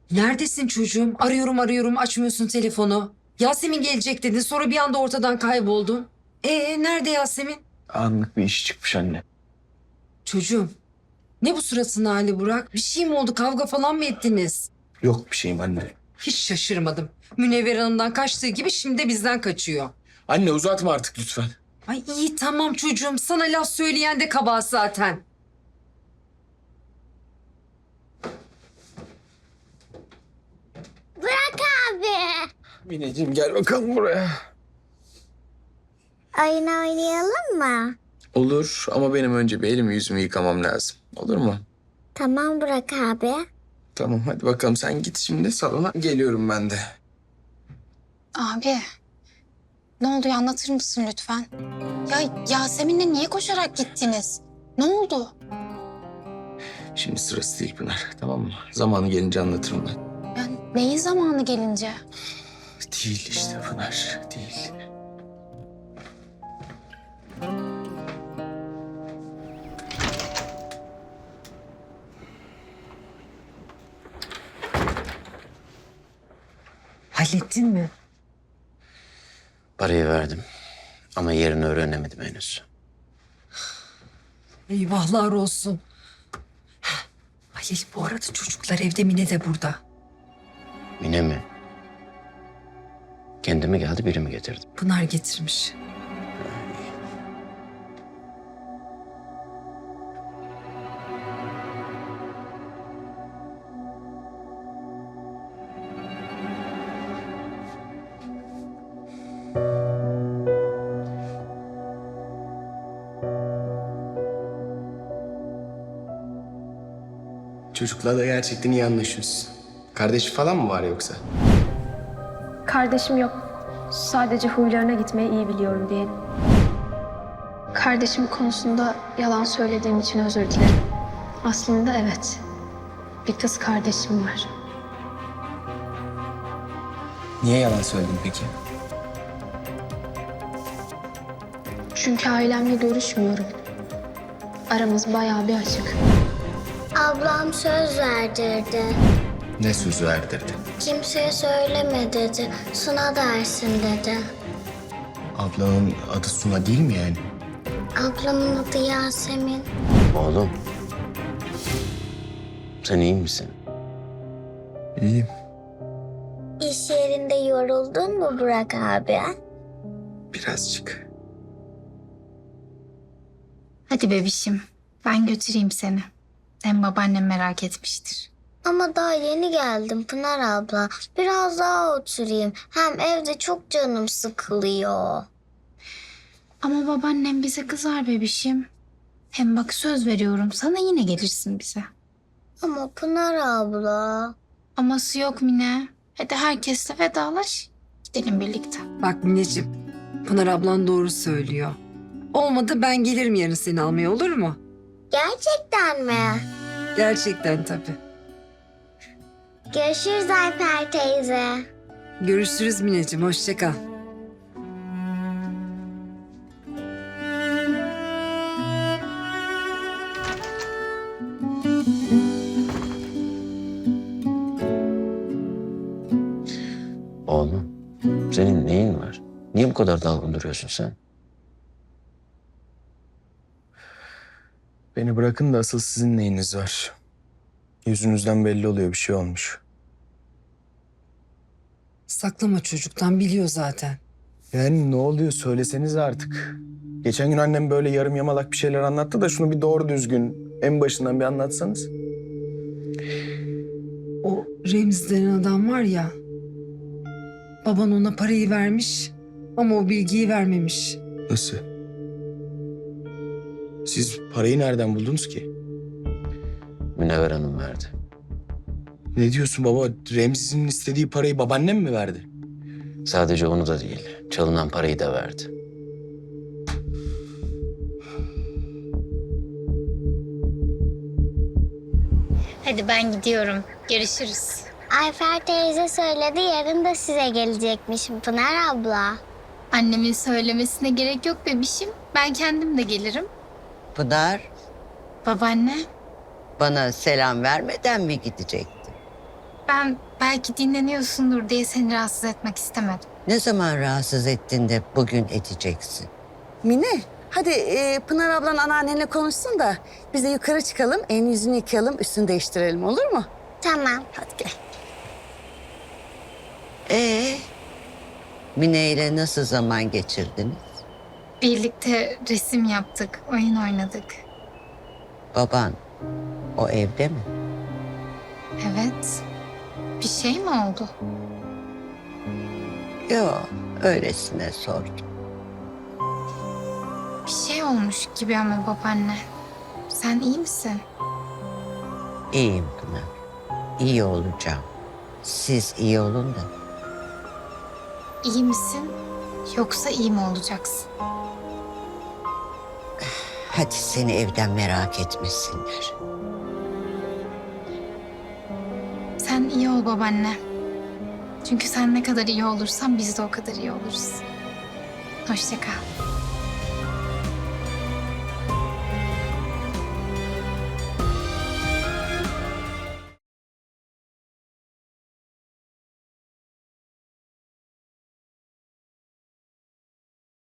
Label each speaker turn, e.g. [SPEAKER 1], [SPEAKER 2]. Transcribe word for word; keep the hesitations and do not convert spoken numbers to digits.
[SPEAKER 1] Neredesin çocuğum? Arıyorum arıyorum açmıyorsun telefonu. Yasemin gelecek dedin sonra bir anda ortadan kayboldun. Ee nerede Yasemin?
[SPEAKER 2] Anlık bir iş çıkmış anne.
[SPEAKER 1] Çocuğum ne bu suratın hali Burak? Bir şey mi oldu, kavga falan mı ettiniz?
[SPEAKER 2] Yok bir şeyim anne.
[SPEAKER 1] Hiç şaşırmadım. Münevver Hanım'dan kaçtığı gibi şimdi de bizden kaçıyor.
[SPEAKER 2] Anne uzatma artık lütfen.
[SPEAKER 1] Ay iyi tamam çocuğum, sana laf söyleyen de kabahat zaten.
[SPEAKER 3] Bırak abi.
[SPEAKER 2] Mineciğim gel bakalım buraya.
[SPEAKER 3] Oyun oynayalım mı?
[SPEAKER 2] Olur ama benim önce bir elimi yüzümü yıkamam lazım. Olur mu?
[SPEAKER 3] Tamam Burak abi.
[SPEAKER 2] Tamam hadi bakalım sen git şimdi salona. Geliyorum ben de.
[SPEAKER 4] Abi, ne oldu ya, anlatır mısın lütfen? Ya Yasemin'le niye koşarak gittiniz? Ne oldu?
[SPEAKER 2] Şimdi sırası değil Pınar, tamam mı? Zamanı gelince anlatırım ben.
[SPEAKER 4] Yani neyin zamanı gelince?
[SPEAKER 2] Değil işte Pınar, değil.
[SPEAKER 1] Hallettin mi?
[SPEAKER 5] Parayı verdim ama yerini öğrenemedim henüz.
[SPEAKER 1] Eyvahlar olsun. Halil bu arada çocuklar evde, Mine de burada.
[SPEAKER 5] Mine mi? Kendi mi geldi, biri mi getirdi?
[SPEAKER 1] Pınar getirmiş.
[SPEAKER 2] Çocuklarla gerçekten iyi anlaşıyorsun. Kardeşi falan mı var yoksa?
[SPEAKER 6] Kardeşim yok. Sadece huylarına gitmeyi iyi biliyorum diyelim. Kardeşim konusunda yalan söylediğim için özür dilerim. Aslında evet. Bir kız kardeşim var.
[SPEAKER 2] Niye yalan söyledin peki?
[SPEAKER 6] Çünkü ailemle görüşmüyorum. Aramız bayağı bir açık.
[SPEAKER 3] Ablam söz verdirdi.
[SPEAKER 2] Ne sözü verdirdi?
[SPEAKER 3] Kimseye söyleme dedi. Suna dersin dedi.
[SPEAKER 2] Ablanın adı Suna değil mi yani?
[SPEAKER 3] Ablamın adı Yasemin.
[SPEAKER 5] Oğlum, sen iyi misin?
[SPEAKER 2] İyiyim.
[SPEAKER 3] İş yerinde yoruldun mu Burak abi?
[SPEAKER 2] Birazcık.
[SPEAKER 4] Hadi bebişim, ben götüreyim seni. Hem babaannem merak etmiştir.
[SPEAKER 3] Ama daha yeni geldim Pınar abla. Biraz daha oturayım. Hem evde çok canım sıkılıyor.
[SPEAKER 4] Ama babaannem bize kızar bebişim. Hem bak söz veriyorum sana, yine gelirsin bize.
[SPEAKER 3] Ama Pınar abla.
[SPEAKER 4] Aması yok Mine. Hadi herkesle vedalaş. Gidelim birlikte.
[SPEAKER 1] Bak Mineciğim, Pınar ablan doğru söylüyor. Olmadı ben gelirim yarın seni almaya, olur mu?
[SPEAKER 3] Gerçekten mi?
[SPEAKER 1] Gerçekten tabii.
[SPEAKER 3] Görüşürüz Ayfer teyze.
[SPEAKER 1] Görüşürüz Mineciğim, hoşça kal.
[SPEAKER 5] Oğlum, senin neyin var? Niye bu kadar dalgın duruyorsun sen?
[SPEAKER 2] Beni bırakın da asıl sizin neyiniz var? Yüzünüzden belli oluyor bir şey olmuş.
[SPEAKER 1] Saklama çocuktan, biliyor zaten.
[SPEAKER 2] Yani ne oluyor söyleseniz artık. Geçen gün annem böyle yarım yamalak bir şeyler anlattı da şunu bir doğru düzgün en başından bir anlatsanız.
[SPEAKER 1] O Remzi denen adam var ya, baban ona parayı vermiş ama o bilgiyi vermemiş.
[SPEAKER 2] Nasıl? Siz parayı nereden buldunuz ki?
[SPEAKER 5] Münevver Hanım verdi.
[SPEAKER 2] Ne diyorsun baba? Remzi'nin istediği parayı babaannem mi verdi?
[SPEAKER 5] Sadece onu da değil, çalınan parayı da verdi.
[SPEAKER 4] Hadi ben gidiyorum. Görüşürüz.
[SPEAKER 3] Ayfer teyze söyledi yarın da size gelecekmiş Pınar abla.
[SPEAKER 4] Annemin söylemesine gerek yok bebişim. Ben kendim de gelirim.
[SPEAKER 7] Pınar,
[SPEAKER 4] Babaanne,
[SPEAKER 7] bana selam vermeden mi gidecektin?
[SPEAKER 4] Ben belki dinleniyorsundur diye seni rahatsız etmek istemedim.
[SPEAKER 7] Ne zaman rahatsız ettin de bugün edeceksin?
[SPEAKER 8] Mine, hadi e, Pınar ablan anneannenle konuşsun da biz de yukarı çıkalım, elini yüzünü yıkayalım, üstünü değiştirelim, olur mu?
[SPEAKER 3] Tamam.
[SPEAKER 8] Hadi gel.
[SPEAKER 7] Ee, Mine ile nasıl zaman geçirdiniz?
[SPEAKER 4] Birlikte resim yaptık, oyun oynadık.
[SPEAKER 7] Baban o evde mi?
[SPEAKER 4] Evet. Bir şey mi oldu?
[SPEAKER 7] Yok, öylesine sordum.
[SPEAKER 4] Bir şey olmuş gibi ama babaanne. Sen iyi misin?
[SPEAKER 7] İyiyim Pınar. İyi olacağım. Siz iyi olun da.
[SPEAKER 4] İyi misin? Yoksa iyi mi olacaksın?
[SPEAKER 7] Hadi seni evden merak etmesinler.
[SPEAKER 4] Sen iyi ol babaanne. Çünkü sen ne kadar iyi olursan biz de o kadar iyi oluruz. Hoşça kal.